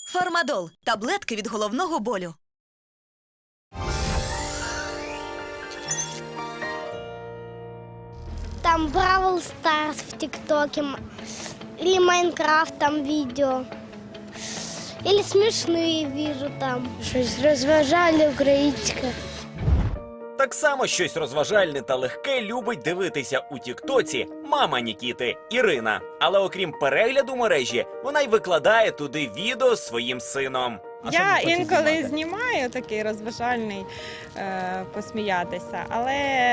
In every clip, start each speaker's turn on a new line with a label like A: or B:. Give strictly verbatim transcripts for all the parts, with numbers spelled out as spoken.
A: Фармадол – таблетки від головного болю.
B: Там Бравл Старс в ТикТоке, или Майнкрафт там видео, или смешные вижу там. Щось розважальне українське.
C: Так само щось розважальне та легке любить дивитися у тіктоці мама Нікіти Ірина. Але окрім перегляду мережі, вона й викладає туди відео з своїм сином.
D: Я інколи знімаю такий розважальний е, посміятися, але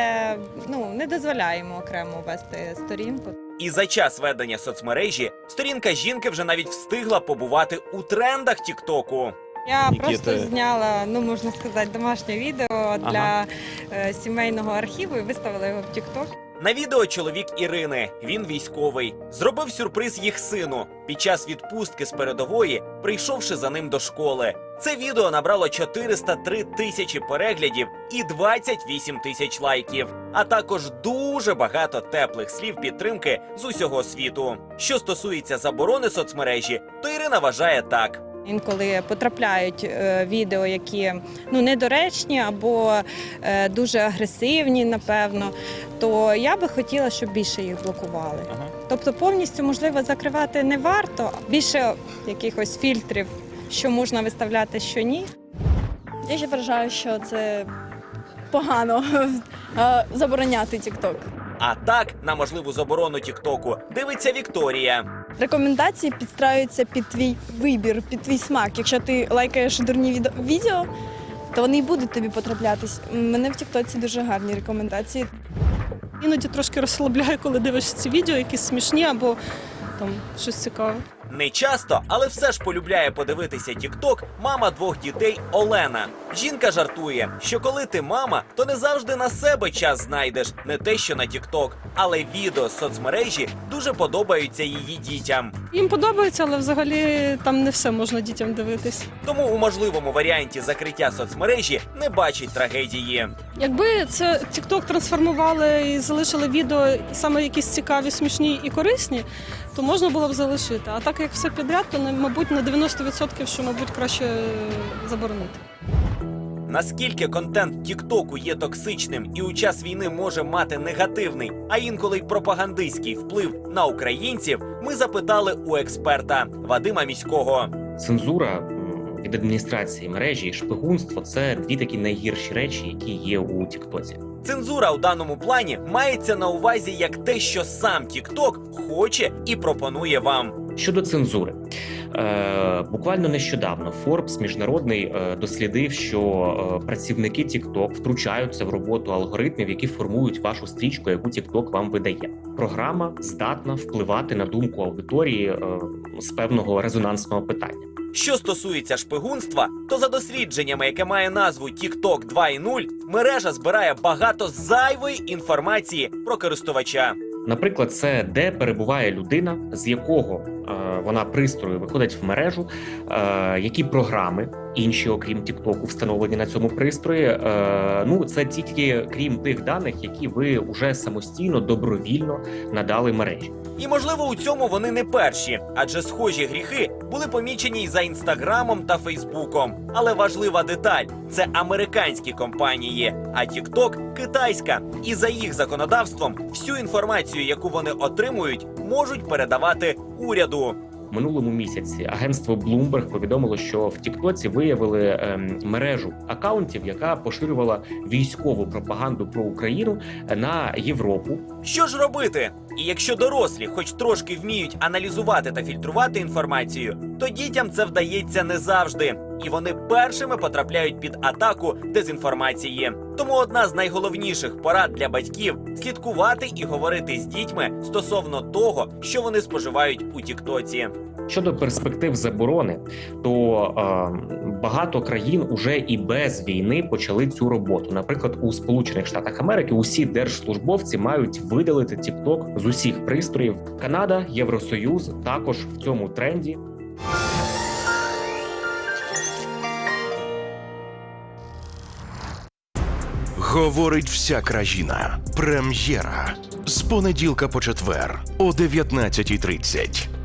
D: ну, не дозволяємо окремо вести сторінку.
C: І за час ведення соцмережі сторінка жінки вже навіть встигла побувати у трендах тіктоку.
D: Я
E: Нікіти.
D: просто зняла, ну можна сказати, домашнє відео для
C: Ага.
D: е, сімейного архіву і виставила його в тікток.
C: На відео чоловік Ірини, він військовий, зробив сюрприз їх сину під час відпустки з передової, прийшовши за ним до школи. Це відео набрало чотириста три тисячі переглядів і двадцять вісім тисяч лайків, а також дуже багато теплих слів підтримки з усього світу. Що стосується заборони соцмережі, то Ірина вважає так.
D: Інколи потрапляють е, відео, які ну, недоречні або е, дуже агресивні, напевно, то я би хотіла, щоб більше їх блокували.
E: Ага.
D: Тобто повністю, можливо, закривати не варто, більше якихось фільтрів, що можна виставляти, що ні.
F: Я ще вважаю, що це погано е, забороняти TikTok.
C: А так, на можливу заборону тіктоку дивиться Вікторія.
F: Рекомендації підстраюються під твій вибір, під твій смак. Якщо ти лайкаєш дурні відео, відео, то вони й будуть тобі потраплятись. У мене в тіктоці дуже гарні рекомендації.
G: Іноді трошки розслабляє, коли дивишся ці відео, якісь смішні або там щось цікаве.
C: Не часто, але все ж полюбляє подивитися тікток мама двох дітей Олена. Жінка жартує, що коли ти мама, то не завжди на себе час знайдеш, не те що на тікток. Але відео з соцмережі дуже подобаються її дітям.
G: Їм подобається, але взагалі там не все можна дітям дивитись.
C: Тому у можливому варіанті закриття соцмережі не бачить трагедії.
G: Якби це TikTok трансформували і залишили відео саме якісь цікаві, смішні і корисні, то можна було б залишити. А так як все підряд, то, мабуть, на дев'яносто відсотків, що, мабуть, краще заборонити.
C: Наскільки контент тіктоку є токсичним і у час війни може мати негативний, а інколи й пропагандистський вплив на українців, ми запитали у експерта Вадима Міського.
H: Цензура м, від адміністрації мережі і шпигунство – це дві такі найгірші речі, які є у Тіктоці.
C: Цензура у даному плані мається на увазі як те, що сам тікток хоче і пропонує вам.
H: Щодо цензури, е, буквально нещодавно Forbes міжнародний е, дослідив, що е, працівники TikTok втручаються в роботу алгоритмів, які формують вашу стрічку, яку TikTok вам видає. Програма здатна впливати на думку аудиторії е, з певного резонансного питання.
C: Що стосується шпигунства, то за дослідженнями, яке має назву TikTok два крапка нуль, мережа збирає багато зайвої інформації про користувача.
H: Наприклад, це де перебуває людина, з якого е, вона пристрою виходить в мережу, е, які програми інші, окрім Тіктоку, встановлені на цьому пристрої. Е, ну, це тільки крім тих даних, які ви вже самостійно, добровільно надали мережі.
C: І, можливо, у цьому вони не перші, адже схожі гріхи були помічені й за Інстаграмом та Фейсбуком. Але важлива деталь – це американські компанії, а TikTok – китайська. І за їх законодавством всю інформацію, яку вони отримують, можуть передавати уряду.
H: В минулому місяці агентство Bloomberg повідомило, що в Тіктоці виявили ем, мережу акаунтів, яка поширювала військову пропаганду про Україну на Європу.
C: Що ж робити? І якщо дорослі хоч трошки вміють аналізувати та фільтрувати інформацію, то дітям це вдається не завжди. І вони першими потрапляють під атаку дезінформації. Тому одна з найголовніших порад для батьків – слідкувати і говорити з дітьми стосовно того, що вони споживають у Тіктоці.
H: Щодо перспектив заборони, то е, багато країн уже і без війни почали цю роботу. Наприклад, у Сполучених Штатах Америки усі держслужбовці мають видалити TikTok з усіх пристроїв. Канада, Євросоюз також в цьому тренді.
I: Говорить вся країна. Прем'єра. З понеділка по четвер о дев'ятнадцятій тридцять.